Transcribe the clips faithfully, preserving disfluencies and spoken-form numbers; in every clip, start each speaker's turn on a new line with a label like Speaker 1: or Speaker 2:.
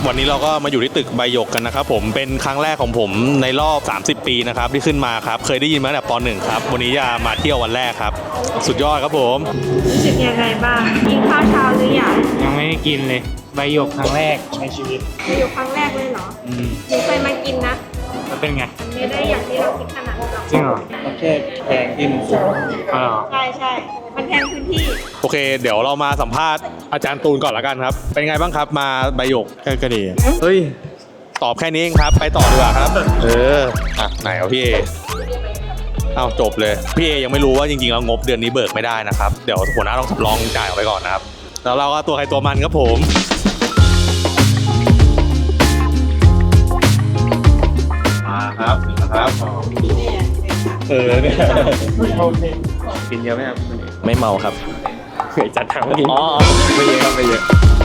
Speaker 1: วันนี้เราก็มาอยู่ที่ตึกใบหยกกันนะครับผมเป็นครั้งแรกของผมในรอบสามสิบปีนะครับที่ขึ้นมาครับเคยได้ยินมาตั้งแต่ป หนึ่ง ครับวันนี้จะมาเที่ยววันแรกครับสุดยอดครับผม
Speaker 2: รู้สึกยังไงบ้างกินข้าวเช้าหรือยัง
Speaker 3: ยังไม่ได้กินเลยใบหยกครั้งแรกในชีวิต
Speaker 2: ใบหยกครั้งแรกเลยเหรอ
Speaker 3: อืม
Speaker 2: หนูเคยมากินนะ
Speaker 3: แล้วเป็นไง
Speaker 2: ไม่ได้อย่างที่เราคิดขนาดนั้นหรอก
Speaker 3: จริงเหรอ
Speaker 4: แค่แพงที่มันสูง
Speaker 3: อ๋อ
Speaker 2: ใช่ใช่มันแพงพื้นที่
Speaker 1: โอเคเดี๋ยวเรามาสัมภาษณ์อาจารย์ตูนก่อนละกันครับเป็นไงบ้างครับมาใบหยก
Speaker 4: ก็ดี
Speaker 1: เฮ้ยตอบแค่นี้เองครับไปต่อดีกว่าครับเอออ่ะไหนเอาพี่เอเอาจบเลยพี่เอยังไม่รู้ว่าจริงๆแล้วงบเดือนนี้เบิกไม่ได้นะครับเดี๋ยวหัวหน้าต้องสำรองจ่ายออกไปก่อนนะครับแล้วเราก็ตัวใครตัวมันครับผมมาครับนะครับเออเนี่ย
Speaker 4: กินเยอะไหมครับ
Speaker 1: ไม่เมาครับ
Speaker 4: เคยจัดทางเมื่อกี้
Speaker 1: อ๋อไม่เยอะครับไม่เยอะ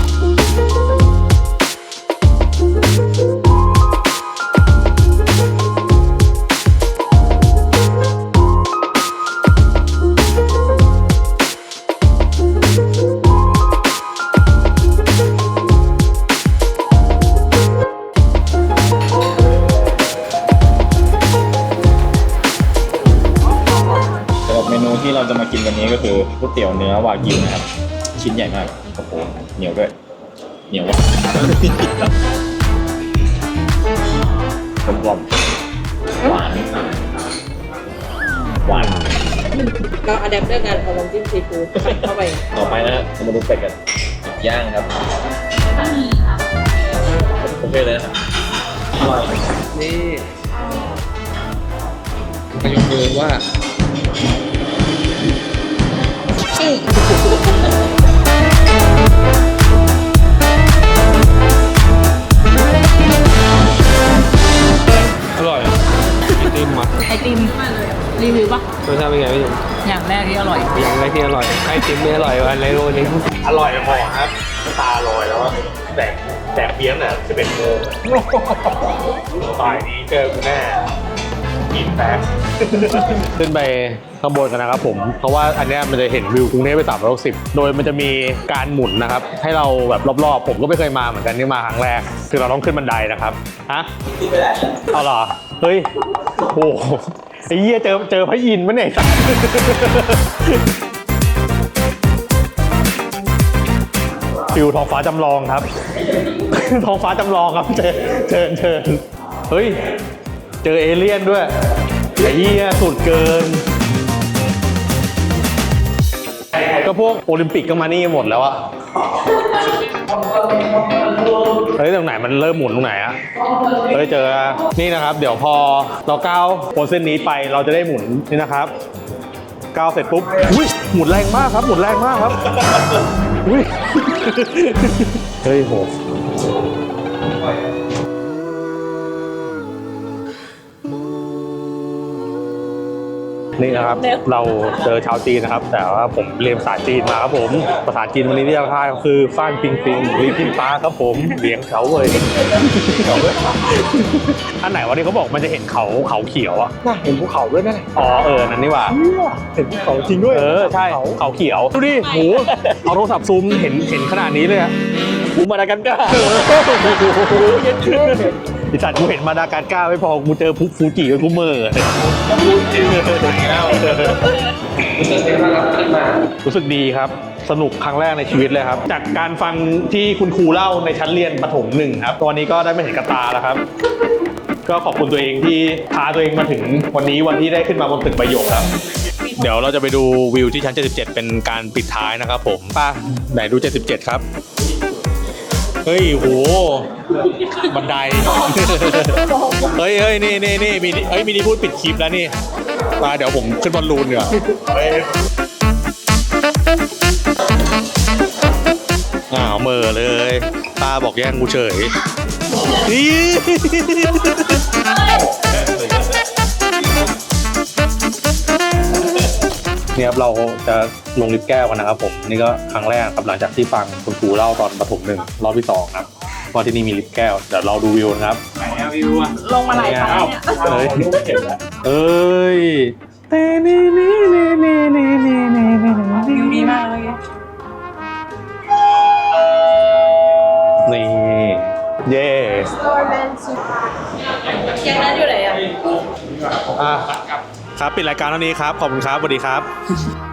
Speaker 4: เมนูที่เราจะมากินวันนี้ก็คือก๋วยเตี๋ยวเนื้อวากิวนะครับชิ้นใหญ่มากโอ้โหเหนียวด้วยเหนียวว่ะกลมกล่อมหวานหวาน
Speaker 2: เราอะแดปเตอร์กันเอาน้ำจิ้มซีฟู้ดใส่เข้าไป
Speaker 4: ต่อไปนะเรามาดูเป็ดกันย่างครับโอเคเลยครับอร่อยนี่มายกมือว่า
Speaker 3: อร่อยไอติมอ่ะ
Speaker 2: ไอติมรีวิวปะ
Speaker 3: รสชาติเป็นไงพี่
Speaker 2: อย่างแรกที่อร่อย
Speaker 3: อย่างแรกที่อร่อยไอติมไม่อร่อยอันไรโรนี้
Speaker 1: อร่อยพอครับตาลอยแล้วแต่แต่เพี้ยนอ่ะจะเป็นโมงฝ่ายนี้เจอกูแน่กินแป๊บขึ้นไปข้างบนกันนะครับผมเพราะว่าอันนี้มันจะเห็นวิวกรุงเทพไปสามร้อยหกสิบโดยมันจะมีการหมุนนะครับให้เราแบบรอบๆผมก็ไม่เคยมาเหมือนกันนี่มาครั้งแรกคือเราต้องขึ้นบันไดนะครับฮะเอาเหรอเฮ้ยโอ้ไอ้เหี้ยเจอเจอพระอินทร์มั้ยเนี่ยฟิวท้องฟ้าจำลองครับท้องฟ้าจำลองครับเชิญเชิญเชิญเฮ้ยเจอเอเลี่ยนด้วยไอ้เหี้ยสุดเกินก็พวกโอลิมปิกก็มานี่หมดแล้วอะเฮ้ยตรงไหนมันเริ่มหมุนตรงไหนอะเฮ้ยเจอนี่นะครับเดี๋ยวพอเราก้าวบนเส้นนี้ไปเราจะได้หมุนนี่นะครับก้าวเสร็จปุ๊บอุ้ยหมุนแรงมากครับหมุนแรงมากครับอุ้ยเฮ้ยโหนี่นะครับเราเจอชาวจีนนะครับแต่ว่าผมเรียนภาษาจีนมาครับผมภาษาจีนวันนี้ที่จะพาคือฟ้านปิงปิงลีพินฟ้าครับผมเลี้ยงเขาเลยเขาเลยอันไหนวันนี้เขาบอกมันจะเห็นเขาเขาเขียวอ่ะ
Speaker 4: น่าเห็นภูเขาด้วยนะ
Speaker 1: อ๋อเออนั่นนี่ว่า
Speaker 4: เห็นภูเขาจริงด้วย
Speaker 1: เออใช่เขาเขียวดูดิโหเอาโทรศัพท์ซูมเห็นเห็นขนาดนี้เลยอะ
Speaker 4: ภูมาดากัสการ์
Speaker 1: เย็นขึ้นดิฉันกูเห็นมาดาการ์ก้าไม่พอกูเจอพุกฟูจิกับกูเมอร์รู้สึกดีครับสนุกครั้งแรกในชีวิตเลยครับจากการฟังที่คุณครูเล่าในชั้นเรียนประถมหนึ่งครับตอนนี้ก็ได้ไม่เห็นกระตาแล้วครับก็ขอบคุณตัวเองที่พาตัวเองมาถึงวันนี้วันที่ได้ขึ้นมาบนตึกใบหยกครับเดี๋ยวเราจะไปดูวิวที่ชั้นเจ็ดสิบเจ็ดเป็นการปิดท้ายนะครับผมป้าไหนดูเจ็ดสิบเจ็ดครับเฮ้ยโหบันไดเฮ้ยเฮ้ยนี่นี่นี่มีเฮ้ยมีนี่พูดปิดคลิปแล้วนี่มาเดี๋ยวผมขึ้นบอลลูนเดี๋ยวอ้าวเมอเลยป้าบอกแย่งกูเฉยเนี่ยครับเราจะลงลิฟต์แก้วกันนะครับผมนี่ก็ครั้งแรกครับหลังจากที่ฟังคุณครูเล่าตอนประถมหนึ่งรอบที่สองครับว่าที่นี่มีลิฟต์แก้วเดี๋ยวเราดูวิวนะครับ
Speaker 3: ไหนอะวิวอะ
Speaker 2: ลงมาหลายครั้งเนี่ย
Speaker 1: เอ้ยเอ้ยเต้นี่นี่นี่นี่นี่นี่นี่
Speaker 2: วิวดีมากเลย
Speaker 1: นี่เย่
Speaker 2: แกงนั้นอยู่ไหนอ่ะ
Speaker 1: อ่ะครับปิดรายการเท่านี้ครับ ขอบคุณครับสวัสดีครับ